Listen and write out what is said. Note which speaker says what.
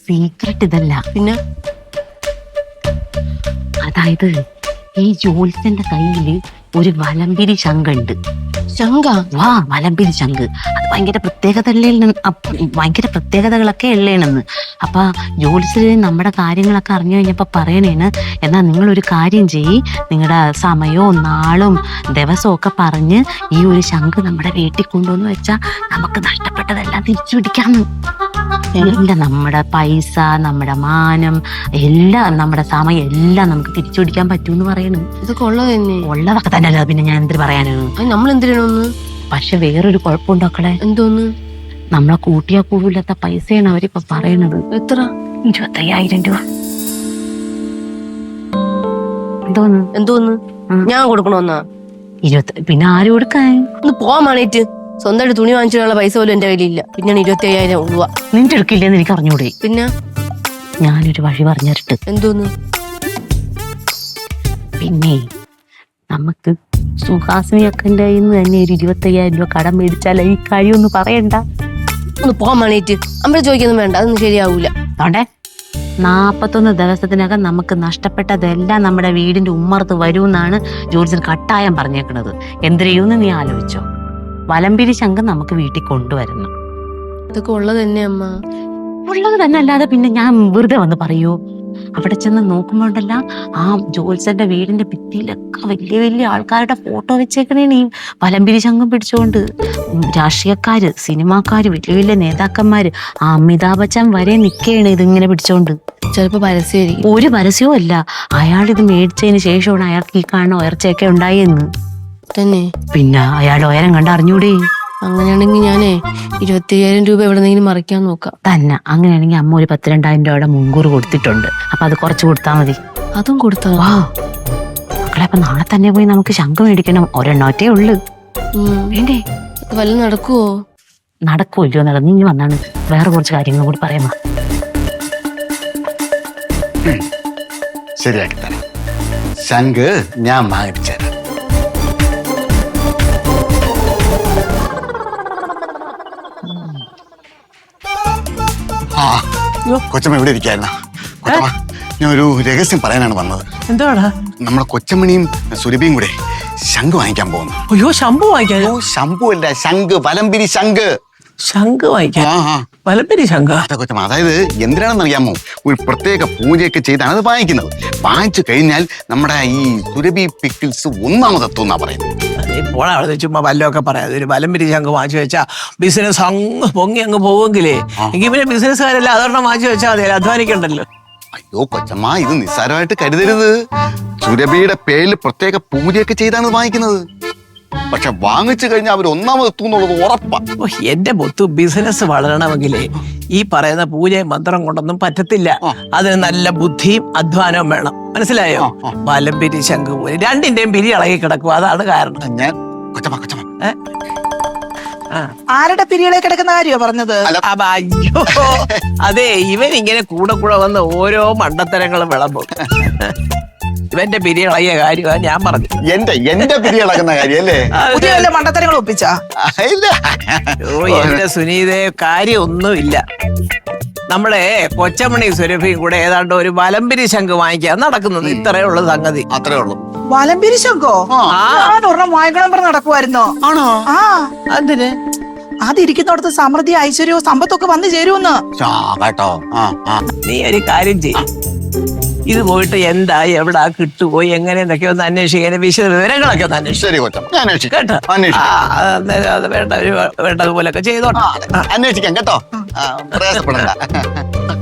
Speaker 1: Secret ഇതല്ല.
Speaker 2: പിന്നെ
Speaker 1: അതായത് ഈ ജോത്സ്യന്റെ കയ്യില് ഒരു വലമ്പിരി ശങ്കുണ്ട്.
Speaker 2: ശങ്ക?
Speaker 1: വാ, വലമ്പിരി ശങ്ക്. അത് ഭയങ്കര ഭയങ്കര പ്രത്യേകതകളൊക്കെ ഉള്ളേണെന്ന്. അപ്പൊ ജോത്സ്യര് നമ്മുടെ കാര്യങ്ങളൊക്കെ അറിഞ്ഞു കഴിഞ്ഞപ്പോ പറയണേണ്, എന്നാ നിങ്ങളൊരു കാര്യം ചെയ്യ്, നിങ്ങളുടെ സമയവും നാളും ദിവസവും ഒക്കെ പറഞ്ഞ് ഈ ഒരു ശങ്ക് നമ്മുടെ വീട്ടിൽ കൊണ്ടുവന്ന് വെച്ചാൽ നമുക്ക് നഷ്ടപ്പെട്ടതെല്ലാം തിരിച്ചു പിടിക്കാന്ന്. എല്ലാം, നമ്മുടെ പൈസ, നമ്മുടെ മാനം, എല്ലാം, നമ്മുടെ സമയം എല്ലാം നമുക്ക് തിരിച്ചു പിടിക്കാൻ പറ്റൂന്ന് പറയണു.
Speaker 2: ഇതൊക്കെ ഉള്ളത് തന്നെ?
Speaker 1: ഉള്ളതൊക്കെ തന്നെ അല്ല, പിന്നെ ഞാൻ എന്തിനു പറയാനാണ്.
Speaker 2: നമ്മൾ എന്തിനാണ്?
Speaker 1: പക്ഷെ വേറൊരു കുഴപ്പമുണ്ടോക്കളെ.
Speaker 2: എന്തോന്ന്?
Speaker 1: നമ്മളെ കൂട്ടിയാ കൂടില്ലാത്ത പൈസയാണ് അവരിപ്പൊ പറയണത്.
Speaker 2: എത്ര?
Speaker 1: 25,000 രൂപ.
Speaker 2: എന്തോന്ന് ഞാൻ കൊടുക്കണോന്നാ?
Speaker 1: 20. പിന്നെ ആര് കൊടുക്കാൻ?
Speaker 2: ഒന്ന് പോവാൻ വേണേറ്റ്. സ്വന്തമായിട്ട് തുണി വാങ്ങിച്ചിട്ടുള്ള പൈസ പോലും എന്റെ കയ്യിലില്ല. പിന്നെയാണ് 25,000 രൂപ.
Speaker 1: നിന്റെ എടുക്കില്ലെന്ന് എനിക്ക് അറിഞ്ഞൂടെ?
Speaker 2: പിന്നെ
Speaker 1: ഞാനൊരു വഴി പറഞ്ഞിട്ട്.
Speaker 2: എന്തോന്ന്?
Speaker 1: പിന്നെ നമുക്ക് സുഹാസിനിയൊക്കെ തന്നെ ഒരു 25,000 രൂപ കടം മേടിച്ചാൽ ഈ കാര്യം ഒന്ന് പറയണ്ട.
Speaker 2: ഒന്ന് പോവാൻ വേണേറ്റ്. അമ്മ ചോദിക്കൊന്നും വേണ്ട, അതൊന്നും ശരിയാവൂല.
Speaker 1: അതോടെ 41 ദിവസത്തിനകം നമുക്ക് നഷ്ടപ്പെട്ടതെല്ലാം നമ്മുടെ വീടിന്റെ ഉമ്മർത്ത് വരുമെന്നാണ് ജോത്സ്യൻ കട്ടായം പറഞ്ഞേക്കണത്. എന്ത് ചെയ്യുമെന്ന് നീ ആലോചിച്ചോ. വലമ്പിരി ശങ്കം നമുക്ക് വീട്ടിൽ കൊണ്ടുവരണം.
Speaker 2: ഇതൊക്കെ ഉള്ളത് തന്നെ അമ്മ.
Speaker 1: ഉള്ളത് തന്നെ അല്ലാതെ പിന്നെ ഞാൻ വെറുതെ വന്ന് പറയൂ? അവിടെ ചെന്ന് നോക്കുമ്പോണ്ടല്ല, ആ ജോത്സ്യന്റെ വീടിന്റെ ഭിത്തിയിലൊക്കെ വലിയ വലിയ ആൾക്കാരുടെ ഫോട്ടോ വെച്ചേക്കണേ ഈ വലമ്പിരി ശങ്കം പിടിച്ചുകൊണ്ട്. രാഷ്ട്രീയക്കാര്, സിനിമാക്കാര്, വലിയ വലിയ നേതാക്കന്മാര്, അമിതാഭ് ബച്ചൻ വരെ നിൽക്കുകയാണ് ഇതിങ്ങനെ പിടിച്ചോണ്ട്.
Speaker 2: ചിലപ്പോ പരസ്യമായിരിക്കും.
Speaker 1: ഒരു പരസ്യവും അല്ല. അയാൾ ഇത് മേടിച്ചതിന് ശേഷമാണ് അയാൾക്ക് ഈ കാണുന്ന ഉയർച്ചയൊക്കെ ഉണ്ടായെന്ന്
Speaker 2: തന്നെ.
Speaker 1: പിന്നെ അയാൾ ഉയരം കണ്ട് അറിഞ്ഞൂടെ?
Speaker 2: അങ്ങനെയാണെങ്കിൽ ഞാനേ 25,000 രൂപ എവിടെന്നെങ്കിലും മറിക്കാൻ നോക്കാം.
Speaker 1: തന്നെ. അങ്ങനെയാണെങ്കിൽ അമ്മ ഒരു 12,000 രൂപയുടെ മുൻകൂർ കൊടുത്തിട്ടുണ്ട്. അപ്പൊ അത് കുറച്ച് കൊടുത്താൽ മതി.
Speaker 2: അതും കൊടുത്താ?
Speaker 1: വാ മക്കളെ, അപ്പൊ നാളെ തന്നെ പോയി നമുക്ക് ശംഖ് മേടിക്കണം. ഒരെണ്ണോറ്റേ ഉള്ളു. വേണ്ടേ?
Speaker 2: വല്ല നടക്കുവോ?
Speaker 1: നടക്കൂല്ലോ. നടന്നു ഇനി വന്നാണ് വേറെ കുറച്ച് കാര്യങ്ങൾ കൂടി പറയാമോ?
Speaker 3: ശരിയാക്കി തരാം. ശംഖ് ഞാൻ വാങ്ങിച്ചു തരാം. കൊച്ചമ്മ ഇവിടെ ഇരിക്കായിരുന്ന? കൊച്ചമ്മ, ഞാൻ ഒരു രഹസ്യം പറയാനാണ് വന്നത്.
Speaker 4: എന്താടാ?
Speaker 3: നമ്മുടെ കൊച്ചമ്മണിയും സുരഭിയും കൂടെ ശംഖ് വാങ്ങിക്കാൻ പോകുന്നു.
Speaker 4: അയ്യോ, ശംഭു വാങ്ങിക്കാൻ?
Speaker 3: ശംഭു അല്ല, ശംഖ്, വലമ്പിരി ശംഖ്.
Speaker 4: ശംഖ് വാങ്ങിക്കാൻ? വലമ്പിരി ശംഖ?
Speaker 3: കൊച്ചമ്മ, അതായത് എന്തിനാണെന്ന് അറിയാമോ? ഒരു പ്രത്യേക പൂജയൊക്കെ ചെയ്താണ് അത് വാങ്ങിക്കുന്നത്. വാങ്ങിച്ചു കഴിഞ്ഞാൽ നമ്മുടെ ഈ സുരഭി പിക്കിൾസ് ഒന്നാമതെത്തുന്നാ പറയുന്നത്.
Speaker 4: ഇപ്പോൾ അവിടെ ചുമ്മാ വല്ലതൊക്കെ പറയാതെ ഒരു വലമ്പിരി ശംഖ് വാങ്ങിച്ചു വെച്ചാ ബിസിനസ് അങ്ങ് പൊങ്ങി അങ്ങ് പോവെങ്കിലേ എങ്കിൽ പിന്നെ ബിസിനസ്സുകാരല്ല അതൊരെണ്ണം വാങ്ങിച്ചു വെച്ചാൽ മതി, അധ്വാനിക്കണ്ടല്ലോ.
Speaker 3: അയ്യോ കൊച്ചമ്മ, ഇത് നിസ്സാരമായിട്ട് കരുതരുത്. സുരഭിയുടെ പേരിൽ പ്രത്യേക പൂജയൊക്കെ ചെയ്താണ് വാങ്ങിക്കുന്നത്. പക്ഷെ വാങ്ങിച്ചു കഴിഞ്ഞാൽ അവർ ഒന്നാമതെത്തും എന്നുള്ളത് ഉറപ്പാ.
Speaker 4: എന്റെ പൊത്തു, ബിസിനസ് വളരണമെങ്കിലേ ഈ പറയുന്ന പൂജയും മന്ത്രം കൊണ്ടൊന്നും പറ്റത്തില്ല. അതിന് നല്ല ബുദ്ധിയും അധ്വാനവും വേണം. മനസ്സിലായോ? വലമ്പിരി ശംഖ് പോലെ രണ്ടിന്റെയും പിരി ഇളകി കിടക്കും. അതാണ് കാരണം.
Speaker 3: ഞാൻ കൊച്ചമ്മ
Speaker 5: ആരുടെ പിരികളെ കിടക്കുന്ന കാര്യോ പറഞ്ഞത്?
Speaker 4: അയ്യോ, അതെ, ഇവൻ ഇങ്ങനെ കൂടെ കൂടെ വന്ന് ഓരോ മണ്ടത്തരങ്ങളും വിളമ്പും. ഇവന്റെ പിരി ഇളകിയ കാര്യമാണ് ഞാൻ പറഞ്ഞു.
Speaker 3: എന്റെ പിരി ഇളകുന്ന കാര്യല്ലേ?
Speaker 5: പുതിയ വല്ല മണ്ടത്തരങ്ങൾ ഒപ്പിച്ചാ?
Speaker 4: എന്റെ സുനീതേ, കാര്യമൊന്നുമില്ല. നമ്മളെ കൊച്ചമണി സുരഭിയും കൂടെ ഏതാണ്ട് ഒരു വലമ്പിരി ശംഖ് വാങ്ങിക്കാൻ നടക്കുന്നത്. ഇത്രയേ ഉള്ളു സംഗതി.
Speaker 3: അത്രേ ഉള്ളൂ.
Speaker 5: വലമ്പിരി ശംഖോ? ഒരെണ്ണം വാങ്ങിക്കണം പറഞ്ഞ് നടക്കുമായിരുന്നോ?
Speaker 4: ആണോ?
Speaker 5: ആ.
Speaker 4: അതിന്
Speaker 5: അതിരിക്കുന്നിടത്ത് സമൃദ്ധി, ഐശ്വര്യവും സമ്പത്തൊക്കെ വന്നു ചേരുമെന്ന്.
Speaker 3: കേട്ടോ.
Speaker 4: നീ ഒരു കാര്യം ചെയ്യും, ഇത് പോയിട്ട് എന്താ, എവിടാ, കിട്ടുമോ, എങ്ങനെ എന്നൊക്കെ ഒന്ന് അന്വേഷിക്കാൻ, വിശദ വിവരങ്ങളൊക്കെ ഒന്ന് അന്വേഷിക്കും കേട്ടോ. വേണ്ടതുപോലൊക്കെ ചെയ്തോട്ടെ.
Speaker 3: അന്വേഷിക്കാം കേട്ടോ.